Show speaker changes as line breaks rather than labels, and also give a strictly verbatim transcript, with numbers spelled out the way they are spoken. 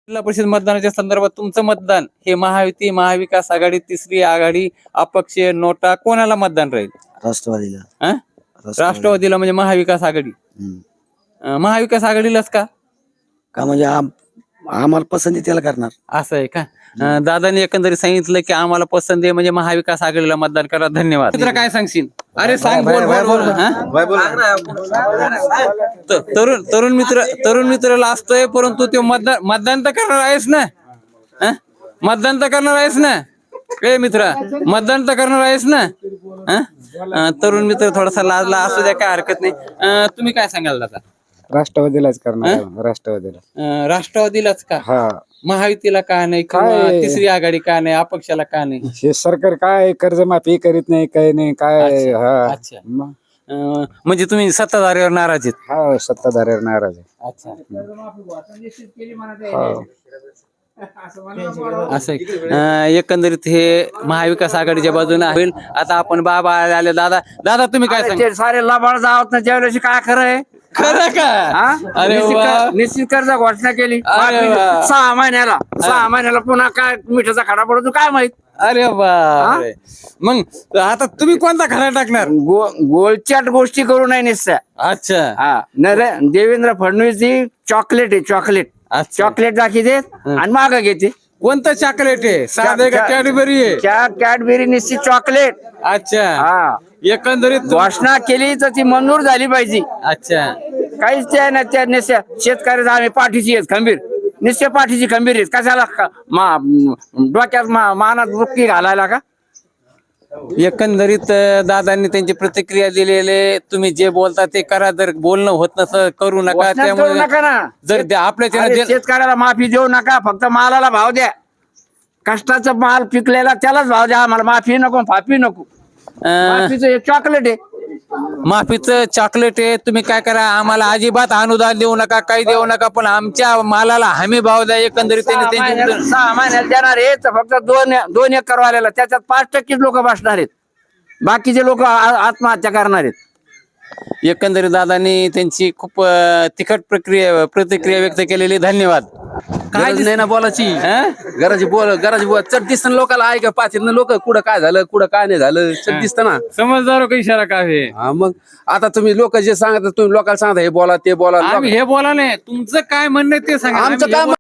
जिल्हा परिषद मतदानाच्या संदर्भात तुमचं मतदान हे महायुती, महाविकास आघाडी, तिसरी आघाडी, अपक्ष, नोटा कोणाला मतदान राहील?
राष्ट्रवादीला.
अं? राष्ट्रवादीला म्हणजे महाविकास आघाडी. अं, महाविकास आघाडीलाच का?
का म्हणजे आम- आम्हाला पसंती त्याला करणार.
असं आहे का? अं, दादांनी एकंदरीत सांगितलं की आम्हाला पसंत आहे म्हणजे महाविकास आघाडीला मतदान करा. धन्यवाद. मित्र काय सांगशील? अरे सांग, बोल बोल बोल. हं? त- तरुण तरुण मित्र तरुण मित्राला असतोय, परंतु तो मतदान मतदान तर करणार आहेस ना? हं? मतदान तर करणार आहेस ना? ए मित्रा, मतदान तर करणार आहेस ना? हं? अं, तरुण मित्र थोडासा लाजला, असू द्या, काय हरकत नाही. अं, तुम्ही काय सांगाल दादा?
राष्ट्रवादीलाच करणार. राष्ट्रवादीला.
अं, राष्ट्रवादीलाच का?
हा,
महायुतीला का नाही किंवा
काय?
तिसरी आघाडी का नाही, अपक्षाला का नाही?
हे सरकार काय कर्जमाफी करीत नाही, काही नाही काय.
अच्छा,
हा
अच्छा.
मग
अं, म्हणजे तुम्ही सत्ताधारीवर नाराज आहेत?
हा सत्ताधाऱ्यावर नाराज आहे.
अच्छा.
हो.
असं आहे. अं, एकंदरीत हे महाविकास आघाडीच्या बाजूने होईल. आता आपण बाबा आले. दादा दादा तुम्ही काय सांगा?
ते सारे लबाड जावत ना ज्यावेळेस काय खरं आहे.
खरं का?
हा?
अरे
निश्चित
वा.
कर- निश्चित कर्ज घोषणा केली
अरे वा.
सहा महिन्याला सहा महिन्याला पुन्हा काय मिठाचा खडा पडतो काय माहित.
अरे बापरे. मग आता तुम्ही कोणता खरा टाकणार?
गो गोलचाट गोष्टी करू नये निश्चय.
अच्छा
हा नरे देवेंद्र फडणवीस जी चॉकलेट आहे चॉकलेट.
अच्छा.
चॉकलेट दाखवते आणि माग घेते.
कोणतं चॉकलेट आहे? साधे का
चा-
कॅडबरी आहे?
क्या कॅडबेरी निश्चित चॉकलेट.
अच्छा.
हा
एकंदरीत तुम-
घोषणा केली तर ती मंजूर झाली पाहिजे.
अच्छा.
काहीच ते नाही त्या निश्चय शेतकऱ्याचा आम्ही पाठीची आहेत खंबीर. निश्चय पाठीची खंबीर आहेत. कशाला क- मा- डोक्यात मा- मानात बुक्की घालायला का?
एकंदरीत अं, दादांनी त्यांची प्रतिक्रिया दिलेले, तुम्ही जे बोलता ते करा, जर बोलणं होत नसं करू नका.
घोषणाच करू
त्यामुळे
नका ना.
जर ते आपल्या
अरे,
त्याला
शेतकऱ्याला माफी देऊ नका, फक्त मालाला भाव द्या. कष्टाचा माल पिकलेला त्यालाच भाव द्या. आम्हाला माफी नको, फाफी नको. माफीचं हे चॉकलेट आहे.
माफीचं चॉकलेट आहे. तुम्ही काय करा, आम्हाला अजिबात अनुदान देऊ नका, काही देऊ नका, पण आमच्या मालाला हमी भाव द्या. एकंदरीत
सहा
त्यांनी
महिन्यात
त्यांची
सहा महिन्यात देणार आहे तर फक्त दोन दोन एकर वाल्याला त्याच्यात पाच टक्केच लोक बसणार आहेत. बाकीचे लोक आत्महत्या करणार आहेत.
एकंदरीत दादांनी त्यांची खूप अं, तिखट प्रक्रिया प्रतिक्रिया व्यक्त केलेली. धन्यवाद. काय
गरज नाही ना बोलायची.
हं?
गरज बोल गरज बोल चट दिसतं लोकांना. ऐका पाच लोक कुठं काय झालं कुठं काय नाही झालं चट दिसतं ना.
समजदार का इशारा का आहे?
हा मग आता तुम्ही लोक जे सांगता तुम्ही लोकांना सांगता हे बोला ते बोला.
आम्ही हे बोला नाही, तुमचं काय म्हणणं आहे ते सांगा.
आमचं
आम्ही हे
काय